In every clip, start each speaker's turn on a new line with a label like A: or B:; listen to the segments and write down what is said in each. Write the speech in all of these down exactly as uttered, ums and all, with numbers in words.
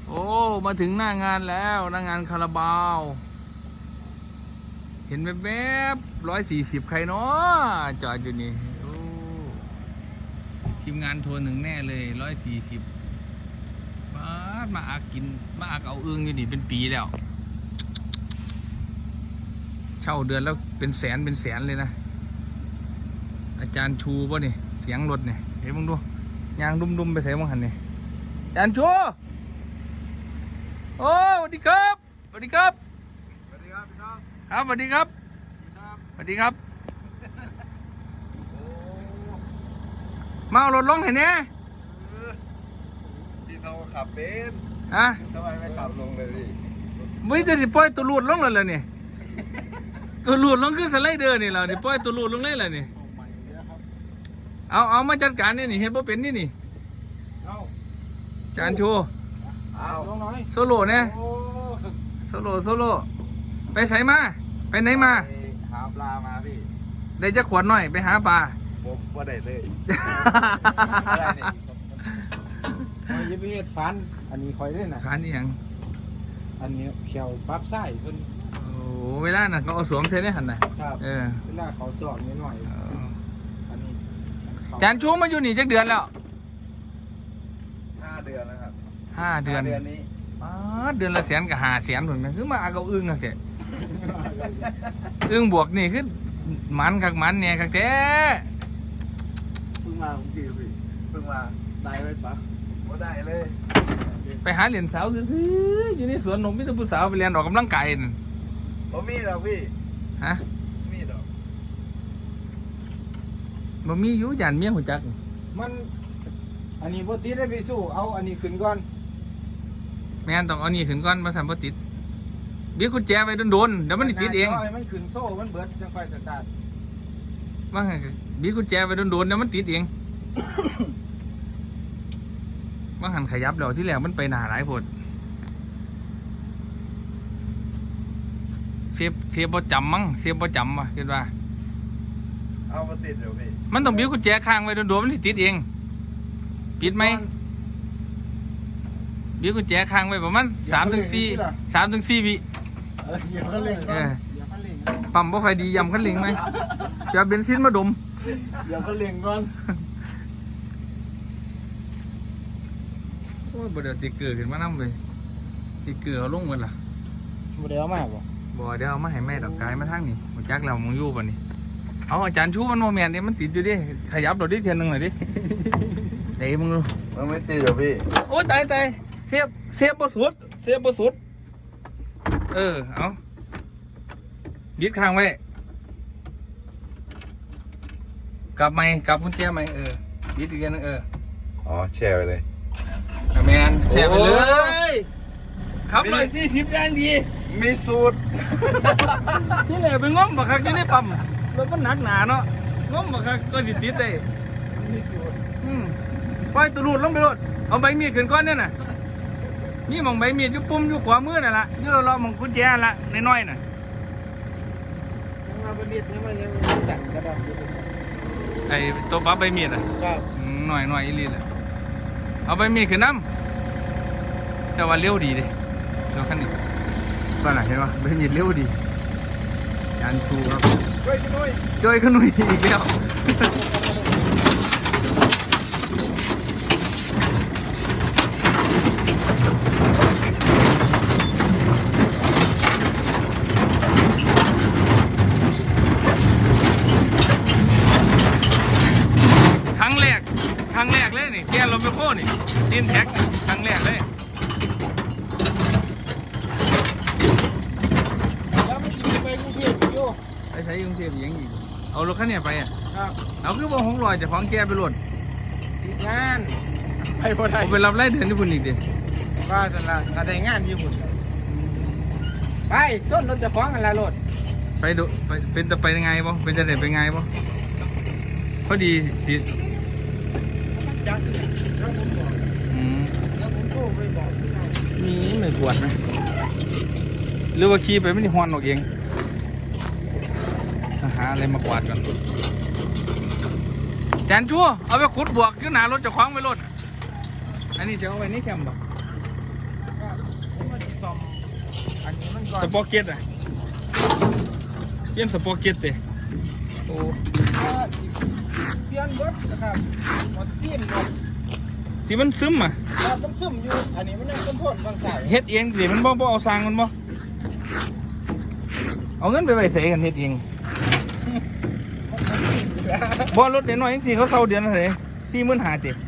A: โอ้มาถึงหน้างานแล้วหน้างานคาราบาวเห็นแวบๆร้อยสี่สิบใครเนาะจอดอยู่นี่โอ้ทีมงานทัวร์หนึ่งแน่เลยร้อยสี่สิบมามาอากินมาอาเอาเอื้องอยู่นี่เป็นปีแล้วเช่าเดือนแล้วเป็นแสนเป็นแสนเลยนะอาจารย์ชูป่ะนี่เสียงรถเนี่ยเห็นมึงดูยางดุมๆไปใส่มึงหันนี่อาจารย์ชูโอ้สวัสดีครับสวัสดีครับ
B: สวัสดีครับพี่น้อง
A: ครับสวัสดีครับสวัสดีครับมาเอารถลงเห็นเนี่ย
B: พี่เขาขับเป็น
A: ฮะ
B: ทำไมไม่ขับลงเลยพี่
A: ไม่จะสิปล่อยตัวลูดลงเลยเลยนี่ตัวลูดลงขึ้นสไลเดอร์นี่เราสิปล่อยตัวลูดลงเลยเลยนี่เอาเอามาจัดการนี่นี่เห็นว่าเป็นนี่นี่จานโชว์โซโล่เนี่ยโซโล่โซโล่ไปใส่มาไปไหนมา
B: หาปลามาพี่
A: ได้จะขวดหน่อยไปหาปลา
B: ผมว่าได้เลย
C: คอยจะไปเฮ็ดฟันอันนี้คอยได้น่ะ
A: ฟันนี่ยัง
C: อันนี้เขียวปั๊บไส้เพิ่น
A: โอ้เวลาน่ะเขาเอาสวมเทได้หันน่ะ
C: ครับเออเวลาเขาสอนนิดหน่อยอันนี้
A: จานชูมาอยู่นี่จักเดือนแล้ว
B: ห้าเดือนแล้วครับ
A: ห้าเดือน
B: เดือนนี้
A: อ๋อเดือนละแสนกับห้าแสนเหมือนกันคือมาเอาอึ้งอะแกอึ้งบวกนี่คือมันกักมันเนี่ยกักแท้
B: เพิ่งมาผมกี่พี่เพิ่งมาได้ไหมปะว่าได้เลย
A: ไปหาเหรียญสาวซื้ออยู่ในสวนนมมิตรผู้สาวไปเรียนออกกำลังกายนั่น
B: บ่มีหรอกพี่
A: ฮะ
B: มีหรอก
A: บ่มีอยู่ยันเมียหัวจัก
C: มันอันนี้บ่ติดได้ไปสู้เอาอันนี้ขึ้นก่อน
A: แม่นต้องเอานี่ขึ้นก่อนมาสั่นบ่ติดเบี้ยกุญแจไว้โดนๆเดี๋ยวมันติดเอง
C: มันขึ้นโซ่มันเบิดจังค่อยสตาร์ท
A: ว่าไงเบี้ยกุญแจไว้โดนๆเดี๋ยวมันติดเองว่าหันขยับเดี๋ยวที่แรกมันไปหนาหลายผลเสียบเสียบบ่จำมั้งเสียบบ่จำว่ะคิดว่า
B: เอามาติดเดี๋ยวพี่
A: มันต้องเบี้ยกุญแจค้างไว้โดนๆมันติดเองปิดไหมเบี้ยกุญแจค้างไว้ประมาณสามถึงสี่สามถึงสี่วิ
C: เออเหยียบคันเร่งก่อนเหยียบคันเร่ง
A: ปั๊มบ่ค่อยดียำคันเร่งไหมจะเบนซินมาดม
C: เหยียบคันเร่งก่อน
A: โอ้ยบ่เดี๋ยวติเกลือขึ้นมาน้ำเลยติเกลือเอาลงกันล่ะ
C: บ่ได้เอามาบ่
A: บ่เดี๋ยวเอามาให้แม่ดอกกายมาทางนี้บ่จักแล้วมึงอยู่ป่ะนี่เอาอาจารย์ชูมันโมเมนต์นี่มันติดอยู่ดิขยับดอกดิเทียนหนึ่งหน่อยดิเดี๋ยวมึงดู
B: มันไม่ติดหรอพี่
A: โอ้ยตายตายเสียบเสียบบ่สุดเสียบบ่สุดเออเอาบิดข้างไว้กลับไหมกลับกุญแจไหมเออบิดอีกนึงเออ
B: อ๋อแช่ไปเลย
A: แมนแช่ไปเลยขับร้อยสี่สิบแรงดี
B: มีสูตร
A: ที่ไหนไปง้มบักคักที่นี่ปั๊มรถมันหนักหนาเนาะง้มบักคักก็ติดติดได้
C: มีสูตร
A: อืมปล่อยตัวรูดลงไปรถเอาใบมีดขึ้นก้อนเนี่ยน่ะนี่มองใบมีดอยู่ปุ่มอยู่ขวามือน่ะละนี่เราเรามองกุญแจละน้อยๆน่ะ
C: มาบริษัทนี่มันยังสั่นกระดาษ
A: ไอ้ตัวปั๊บใบมีดอ่ะหน่อยหน่อยอีลีเลยเอาใบมีดขึ้นน้ำแต่ว่าเลี้ยวดีดิเดี๋ยวขั้นนี้ก็ไหนเห็นปะใบมีดเลี้ยวดีจานชูครับ
B: ช่วยขนุย
A: ช่วยขนุยอีกแล้วครั้งแรกครั้งแรกเลยนี่แกลมไปโค่นี่ตีนแท็กครั้งแรกเลย
C: แล้วมันอยู่ไปกรุงเทพอยู่
A: ไปใช้กรุงเทพยังอีกเอารถคันนี้ไปอ่ะ
C: ครับ
A: เอาคือว่าหงลอยจะของแกไปรถ
C: ติดงานไปบ่ได้
A: ผมไปรับไล่เดือนญี่ปุ่นอีกดิ
C: ว่าสันละอะไรงานญี่ปุ่นไปส้นรถจะคล้องอะไรรถ
A: ไปดูไปเป็นจะไปยังไงบ่เป็นจะเด็ดไปไงบ่พอดีสิอืมนี่ไม่ปวดนะหรือว่าขี่ไปไม่ได้ฮอนออกเองหาอะไรมากวาดกันแจนชั่วเอาไปขุดบวกขึ้นหนารถจะคล้องไปรถอันนี้จะเอาไว้นี่แคมป์บ่
C: คครับผมมาซ่อมอันนี้มันก่อน
A: สปอร์เก็ตอ่ะเปลี่ยนสปอร์เก็ตเตะโอ้
C: เปลี่ยนเบิดนะครับหมดซีนหมด
A: ที่มันซึมอ่ะ
C: ครับมันซึมอยู่อันนี้มันยังต้นทนบางสาย
A: เฮ็ดเองสิมันบ่บ่เอาสร้างมันบ่เอาเงินไปไว้ใส่กันเฮ็ดเองบ่รถเดี๋ยวน้อยจังซี่เขาเซาเดือนละเท่าไหร่สี่หมื่นห้าสิ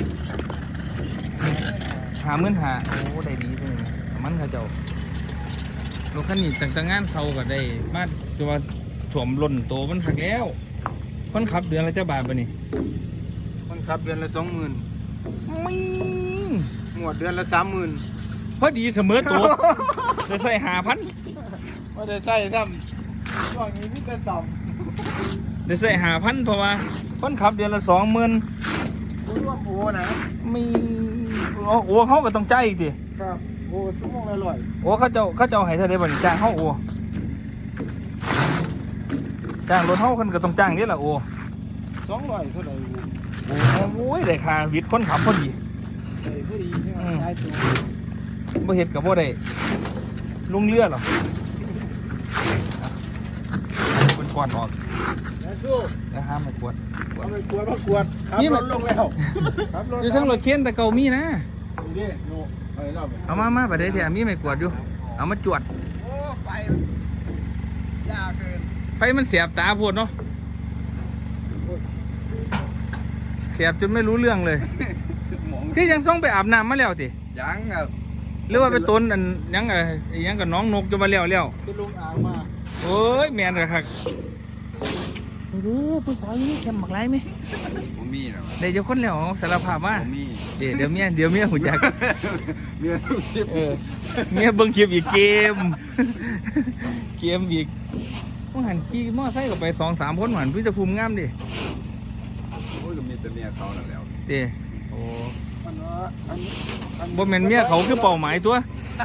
A: ห้าหมื่นห้าโอ้ได้ดีจังเลยมันเขาเจ้ารถคันนี้จังแต่งานเซาก็ได้มาจะว่าถ่วมล้นโตมันหักแล้วคนขับเดือนละเจ้าบาทบ่นี่
C: คนขับเดือนละสองหมื่น
A: มิ
C: หมวดเดือนละสามหมื่น
A: พอดีเสมอโตจะใส่ห้าพัน
C: ไม่ได้ใส่ซ้ำช่วงนี้มีแต่ซ่อม
A: จะใส่ห้าพันเพราะว่าคนขับเดือนละสองหมื่น
C: รู้ว่าโอ้นะ
A: มีโอ้โอ้เขาก็ต้องใจายอีกที
C: ครับโอ้ชั่วโมงละร้อย
A: โอ้เขาเจ้าเขาเจ้าให้เท่าไดบ่นี่จ้างเขาโอ้จ้างรถเขาคนก็ต้องจ้างนี่แหละโอ้
C: สองร้อยเท่าไหร่
A: โอ้โอ้ยได้ค่าวิทย์คนขับพอดี
C: ใส่ผู้ดีใช่ไหมได้ตัว
A: บ่เฮ็ดกับบ่ได้ลงเรือหรอกเป็นก้อนออก
C: แล้วสู้
A: แล้วห้ามไม่กวด
C: เอาไปกวดมากวดขับ
A: นี่
C: ร
A: มัน
C: ถลงแล้วขับรถ
A: อยู่ทั้งรถเข็นแต่เก่ามีนะ
C: นี่โน่อะไรเล่าไป
A: เอามามาบัดนี้เดี๋ยวมีไม่กวดอยู่เอามาจวด
C: โอ้ไปยากเกิน
A: ไฟมันเสียบตาโพดเนาะเสียบจนไม่รู้เรื่องเลย
B: หมอง
A: คือยังส่งไปอาบน้ำมาแล้วติ
B: ยังครับ
A: หรือว่าไปต้นอันยังไงยังกับน้องนกจะมาแล้วแล้ว
C: ไปลงอ่างมา
A: โอ้ยแมนเลยครับนี่ผู้สาวนี่แคมบักไรไหม
B: ผมมีนะ
A: เดี๋ยวจะคนแล้วสารภาพว่า
B: ผมมี
A: เดี๋ยวเดี๋ยวเมียเดี๋ยวเมียหุ่นยักษ์
B: เมียลูกชิบ
A: เออเมียเบิ่งคลิปอีกเกม เกมอีกมื่อหันขี่มอไซค์ก็ไปสองสามคนหันพิจภูมิงามดิ
B: โอ้ยก็มีแต่เมียเขานั่นแล้ว
A: เต้โอ้
C: อันนั้นอันนี้อัน
A: บ่แม่นเมียเขาคือเป้าหมายตัว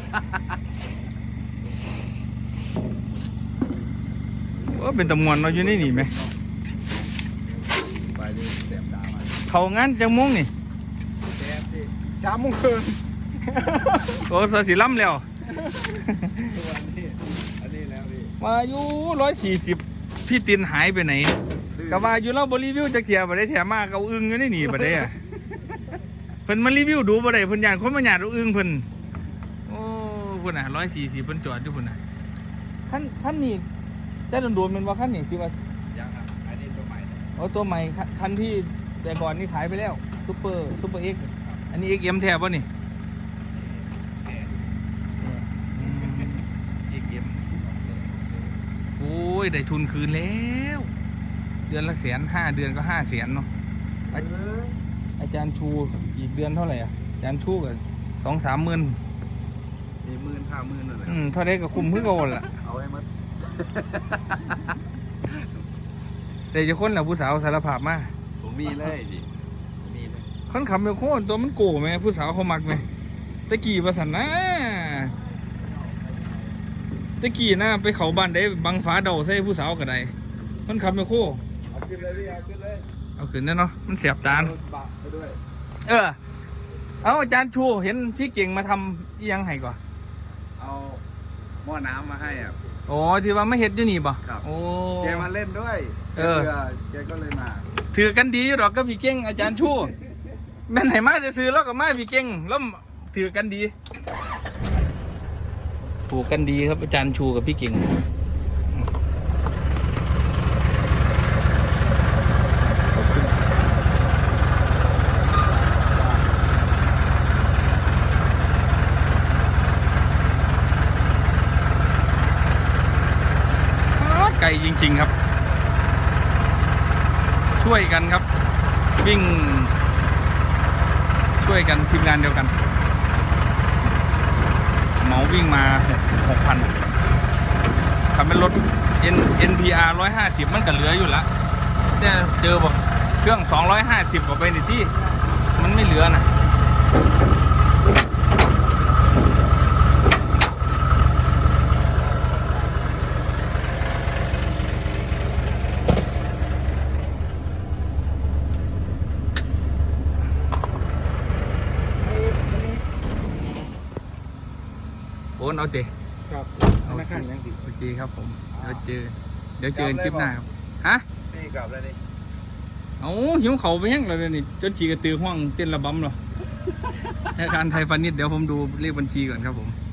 A: ว่าเป็นตำมวนเราะอยู่ในนี่ไหม
B: ไปดิเสียบดามา
A: เขางานจังมงนี่
B: แซ่บสิ
C: สามโมงครึ่ง
A: โอ้สสิล้ำแล้ว
B: ตัวนี้อันนี้แล้วพี่
A: มาอยู่ร้อยสี่สิบพี่ตินหายไปไหนก็ว่าอยู่เราบรีวิวจะเกียร์บ่ได้แถมมาเกาอึ้งอยู่ในนี่บ่ได้อะเพิ่นมารีวิวดูบ่ได้เพิ่นย่านคนมาหยาดเอาอึ้งเพิ่นโอ้พุ่นน่ะร้อยสี่สิบเพิ่นจอดอยู่พุ่นน่ะคันคันนี้แต่โดนๆแมันว่าคันนี้ที่ว่า
B: ยังครับอันนี้ตัวใหม่
A: โอ้ตัวใหม่คันคันที่แต่ก่อนนี่ขายไปแล้วซุปเปอร์ซุปเปอร์เอ็กอันนี้ เอ็กซ์ เอ็ม แท้ป่ะนี่ เอ็กซ์ เอ็ม โอ้ยได้ทุนคืนแล้ว เดือนละแสนห้าเดือนก็ห้าแสนเนาะอาอาจารย์ชูอีกเดือนเท่าไหร่อ่ะอาจารย์ชูก็สองสามหมื่น
B: สี่หมื่นห้าหมื่นนั่นแหละ
A: อืมเท่าไรก็คุ้มพึ่งโอนล่ะ
B: เอาไว้มัด
A: แต่จะคนแหละผู้สาวสารภาพมา
B: ผมมีเลยดิมีเลย
A: คนขับไปโค่นตัวมันโก้ไหมผู้สาวเขามักไหมตะกี้ประสันนะตะกี้นะไปเขาบ้านได้บังฟ้าเดาใส่ผู้สาวก็ได้คนขับไปโค่
B: เอาขึ้นเลยพี่เอาขึ้นเลย
A: เอาขึ้นแน่เนาะมันเสียบตาล
B: รถบะไปด้วย
A: เออ เอาอาจารย์ชูเห็นพี่เก่งมาทำอีหยังให้ก่อน
B: เอาหม้อน้ำมาให้อ่ะ
A: โอ้ที่ว่าไม่เห็ดอยู่นี่ป่ะ
B: ครับ
A: โอ้
B: แกมาเล่นด้วย
A: เออ
B: แกบื่แกก็เลยมา
A: ถือกันดีอยู่ดอกก็พี่เก่งอาจารย์ชูแม่นไหนมาจะซื้อแล้วก็มาพี่เก่งแล้วถือกันดีถูกกันดีครับอาจารย์ชูกับพี่เก่งไกลจริงๆครับ ช่วยกันครับ วิ่ง ช่วยกันทีมงานเดียวกันเหมาวิ่งมาหกพันทำเป็นรถ N เอ็น พี อาร์ ร้อยห้าสิบมันก็เหลืออยู่ละแต่เจอบอกเครื่องสองร้อยห้าสิบกว่าไปในที่มันไม่เหลือนะอนเอาเตะ
C: ครับธนาคารยังติด
A: โอเคครับผมเดี๋ยวเจอเดี๋ยวเจอกันคลิปหน้าครับฮะ
B: นี่กลับแล้วนี่
A: เอาหิวเขาไปยังเลยนี่จนขี่กระตือห้องเต้นระบำเหรอธนาคารไทยพาณิชย์เดี๋ยวผมดูเลขบัญชีก่อนครับผม